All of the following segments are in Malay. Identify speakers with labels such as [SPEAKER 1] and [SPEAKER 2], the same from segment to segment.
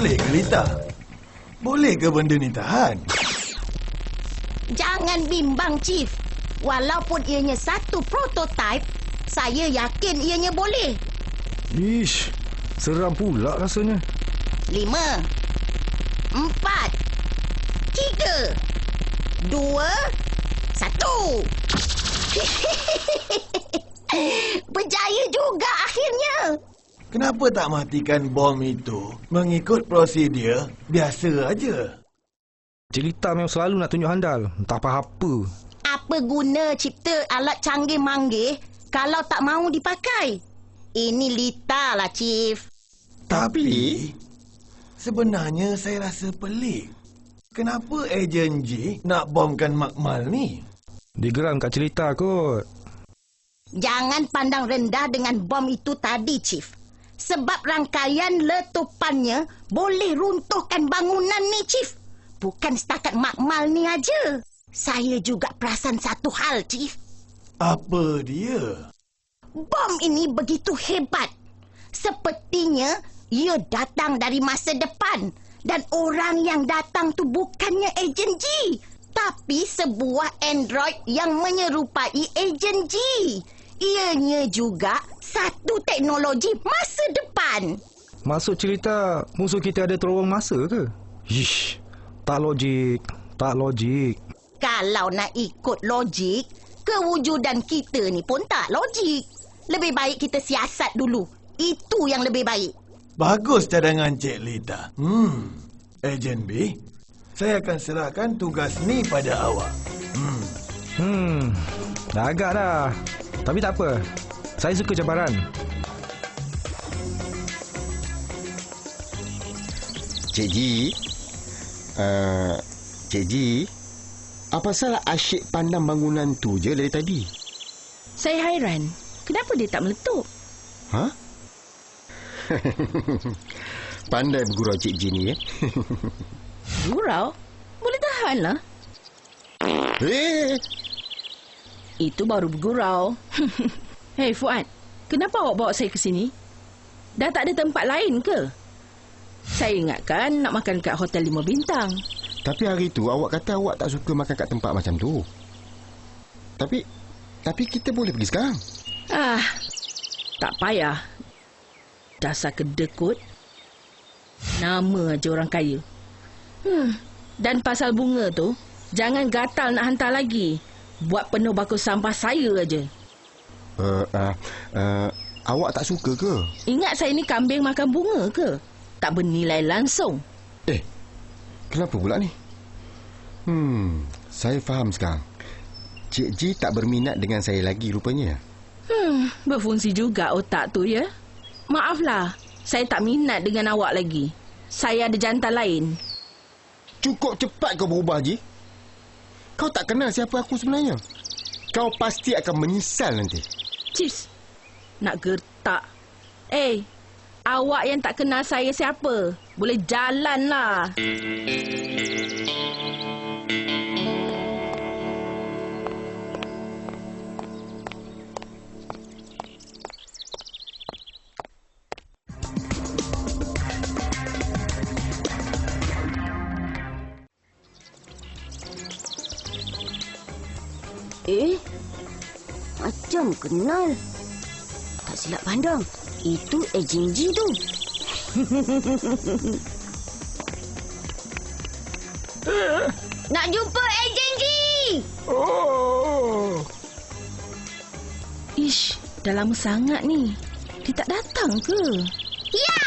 [SPEAKER 1] Boleh ke Lita? Boleh ke benda ni tahan?
[SPEAKER 2] Jangan bimbang, Chief. Walaupun ianya satu prototype, saya yakin ianya boleh.
[SPEAKER 3] Ish, seram pula rasanya.
[SPEAKER 2] 5, 4, 3, 2, 1. Berjaya juga akhirnya.
[SPEAKER 1] Kenapa tak matikan bom itu mengikut prosedur biasa aja?
[SPEAKER 3] Cik Lita memang selalu nak tunjuk handal. Entah apa-apa.
[SPEAKER 2] Apa guna cipta alat canggih-manggih kalau tak mahu dipakai? Ini Lita lah, Chief.
[SPEAKER 1] Tapi sebenarnya saya rasa pelik. Kenapa ejen G nak bomkan Makmal ni?
[SPEAKER 3] Digeram kat Cik Lita kot.
[SPEAKER 2] Jangan pandang rendah dengan bom itu tadi, Chief. Sebab rangkaian letupannya boleh runtuhkan bangunan ni, Chief. Bukan setakat Makmal ni aja. Saya juga perasan satu hal, Chief.
[SPEAKER 1] Apa dia?
[SPEAKER 2] Bom ini begitu hebat. Sepertinya ia datang dari masa depan. Dan orang yang datang tu bukannya ejen G, tapi sebuah android yang menyerupai ejen G. Ianya juga satu teknologi masa depan.
[SPEAKER 3] Maksud cerita musuh kita ada terowong masa ke? Ish, tak logik. Tak logik.
[SPEAKER 2] Kalau nak ikut logik, kewujudan kita ni pun tak logik. Lebih baik kita siasat dulu. Itu yang lebih baik.
[SPEAKER 1] Bagus cadangan Cik Lita. Ejen B, saya akan serahkan tugas ni pada awak.
[SPEAKER 3] Dah agak dah. Tapi tak apa. Saya suka cabaran.
[SPEAKER 4] Cik G, Cik G, apa salah asyik pandang bangunan tu je dari tadi?
[SPEAKER 5] Saya hairan. Kenapa dia tak meletup?
[SPEAKER 4] Ha? Pandai bergurau Cik G ni,
[SPEAKER 5] Gurau? Boleh tahan lah. Itu baru bergurau. Hei Fuad, kenapa awak bawa saya ke sini? Dah tak ada tempat lain ke? Saya ingatkan nak makan kat hotel 5 bintang.
[SPEAKER 4] Tapi hari tu awak kata awak tak suka makan kat tempat macam tu. Tapi kita boleh pergi sekarang.
[SPEAKER 5] Tak payah. Dasar kedekut. Nama aja orang kaya. Dan pasal bunga tu, jangan gatal nak hantar lagi. Buat penuh bako sampah saya aja.
[SPEAKER 4] Awak tak suka ke?
[SPEAKER 5] Ingat saya ni kambing makan bunga ke? Tak bernilai langsung.
[SPEAKER 4] Kenapa pula ni? Saya faham sekarang. Cik G tak berminat dengan saya lagi rupanya.
[SPEAKER 5] Berfungsi juga otak tu ya. Maaflah, saya tak minat dengan awak lagi. Saya ada jantan lain.
[SPEAKER 4] Cukup cepat kau berubah, Ji. Kau tak kenal siapa aku sebenarnya. Kau pasti akan menyesal nanti.
[SPEAKER 5] Cis, nak gertak. Awak yang tak kenal saya siapa? Boleh jalan lah.
[SPEAKER 2] Macam kenal. Tak silap pandang, itu ejen G tu. Nak jumpa ejen G.
[SPEAKER 5] Ish, dah lama sangat ni. Dia tak datang ke?
[SPEAKER 2] Ya.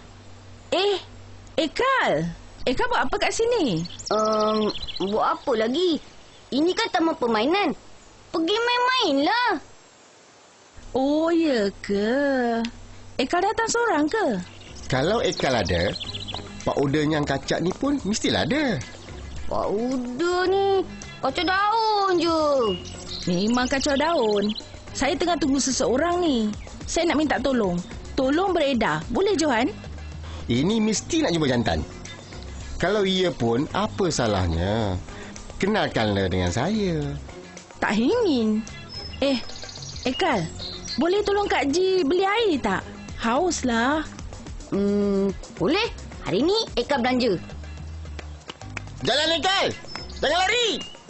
[SPEAKER 5] Kal. Kal buat apa kat sini?
[SPEAKER 2] Buat apa lagi? Ini kan taman permainan. Pergi main-main lah.
[SPEAKER 5] Oh, ya ke? Kal datang seorang ke?
[SPEAKER 4] Kalau Ekal ada, Pak Uda yang kacak ni pun mestilah ada.
[SPEAKER 2] Pak Uda ni kacau daun je.
[SPEAKER 5] Memang kacau daun. Saya tengah tunggu seseorang ni. Saya nak minta tolong. Tolong beredar. Boleh, Johan?
[SPEAKER 4] Ini mesti nak jumpa jantan. Kalau ia pun, apa salahnya? Kenalkanlah dengan saya.
[SPEAKER 5] Tak ingin. Kal, boleh tolong Kak Ji beli air tak? Haus lah.
[SPEAKER 2] Boleh. Hari ni Eka belanja.
[SPEAKER 4] Jalan Ekal. Jangan lari.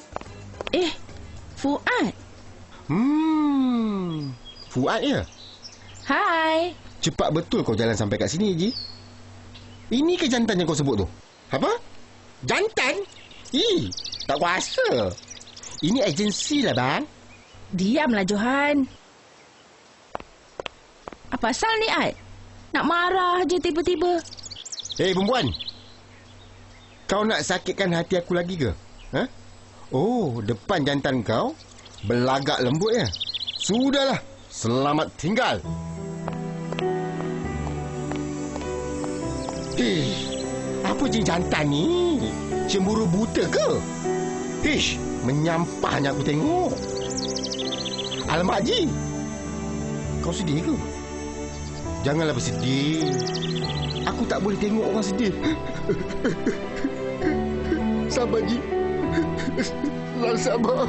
[SPEAKER 5] Fuad.
[SPEAKER 4] Fuad ya?
[SPEAKER 5] Hai.
[SPEAKER 4] Cepat betul kau jalan sampai kat sini, Ji. Ini ke jantan yang kau sebut tu? Apa? Jantan? Tak kuasa. Ini agensi lah, bang.
[SPEAKER 5] Diamlah, Johan. Apa pasal ni, Ad? Nak marah je tiba-tiba.
[SPEAKER 4] Hei, perempuan. Kau nak sakitkan hati aku lagi ke? Ha? Oh, depan jantan kau berlagak lembut ya? Sudahlah. Selamat tinggal. Apa je jantan ni? Cemburu buta ke? Menyampahnya aku tengok. Alamak, Ji. Kau sedih ke? Janganlah bersedih. Aku tak boleh tengok orang sedih. Sabar, Ji. Sabar.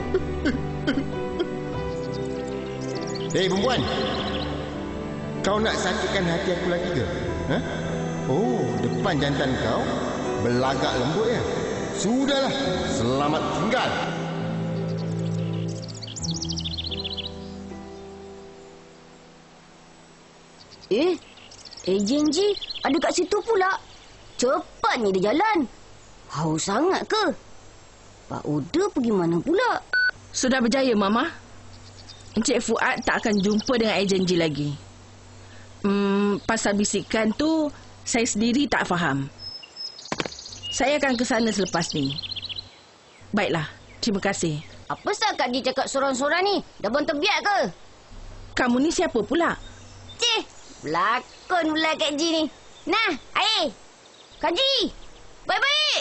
[SPEAKER 4] Hei, perempuan. Kau nak sakitkan hati aku lagi ke? Ha? Oh, depan jantan kau berlagak lembut ya? Sudahlah. Selamat tinggal.
[SPEAKER 2] Ejen Ji ada kat situ pula. Cepatnya dia jalan. Haus sangat ke? Pak Uda pergi mana pula?
[SPEAKER 5] Sudah berjaya, Mama. Encik Fuad tak akan jumpa dengan ejen Ji lagi. Pasal bisikan tu, saya sendiri tak faham. Saya akan ke sana selepas ni. Baiklah, terima kasih.
[SPEAKER 2] Apa sah Kak Ji cakap sorang-sorang ni? Dah buang terbiak ke?
[SPEAKER 5] Kamu ni siapa pula?
[SPEAKER 2] Cih, berlakon pula Kak Ji ni. Nah, air. Kak Ji, baik-baik.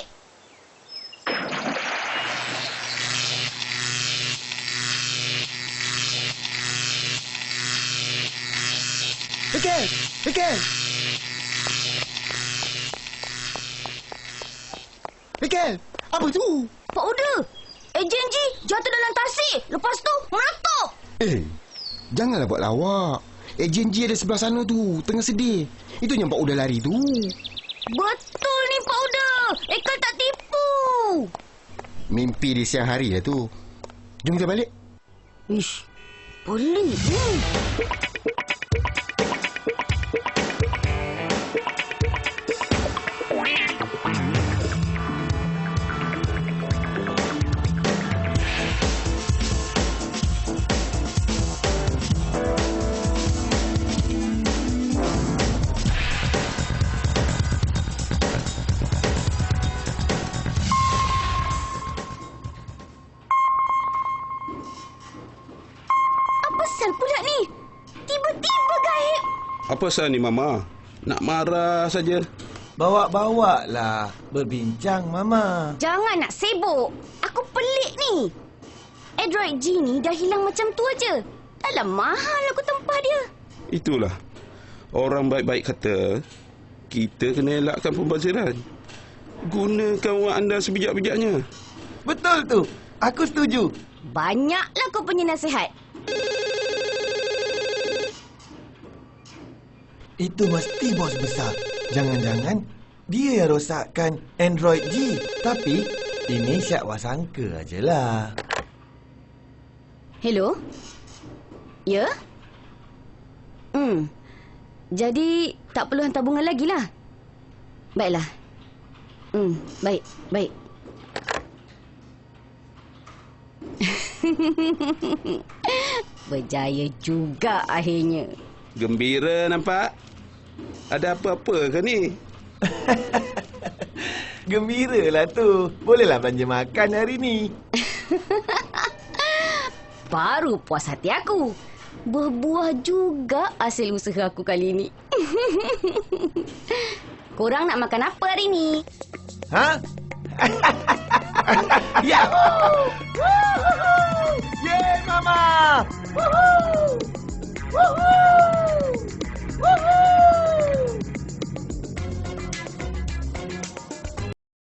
[SPEAKER 4] Ekal, apa tu?
[SPEAKER 2] Pak Uda, ejen Ji jatuh dalam tasik. Lepas tu, meletup.
[SPEAKER 4] Janganlah buat lawak. Ejen Ji ada sebelah sana tu, tengah sedih. Itu yang Pak Uda lari tu.
[SPEAKER 2] Betul ni Pak Uda. Ekal tak tipu.
[SPEAKER 4] Mimpi di siang hari lah tu. Jom kita balik.
[SPEAKER 2] Ish, pelik ni.
[SPEAKER 6] Apa sah ni, Mama? Nak marah saja.
[SPEAKER 1] Bawa-bawa lah berbincang, Mama.
[SPEAKER 2] Jangan nak sibuk. Aku pelik ni. Android G ni dah hilang macam tu aja. Dalam mahal aku tempah dia.
[SPEAKER 6] Itulah. Orang baik-baik kata, kita kena elakkan pembaziran. Gunakan wang anda sebijak-bijaknya.
[SPEAKER 1] Betul tu. Aku setuju.
[SPEAKER 2] Banyaklah kau punya nasihat.
[SPEAKER 1] Itu mesti bos besar. Jangan-jangan dia yang rosakkan Android G. Tapi ini syak wasangka ajalah.
[SPEAKER 2] Hello? Ya? Jadi tak perlu hantar bunga lagi lah. Baiklah. Baik. Berjaya juga akhirnya.
[SPEAKER 6] Gembira nampak? Ada apa-apa ke ni?
[SPEAKER 1] Gembiralah tu. Bolehlah belanja makan hari ni.
[SPEAKER 2] Baru puas hati aku. Berbuah juga hasil usaha aku kali ni. Korang nak makan apa hari ni?
[SPEAKER 1] Ha? Yahoo! Yeay, Mama! Woohoo!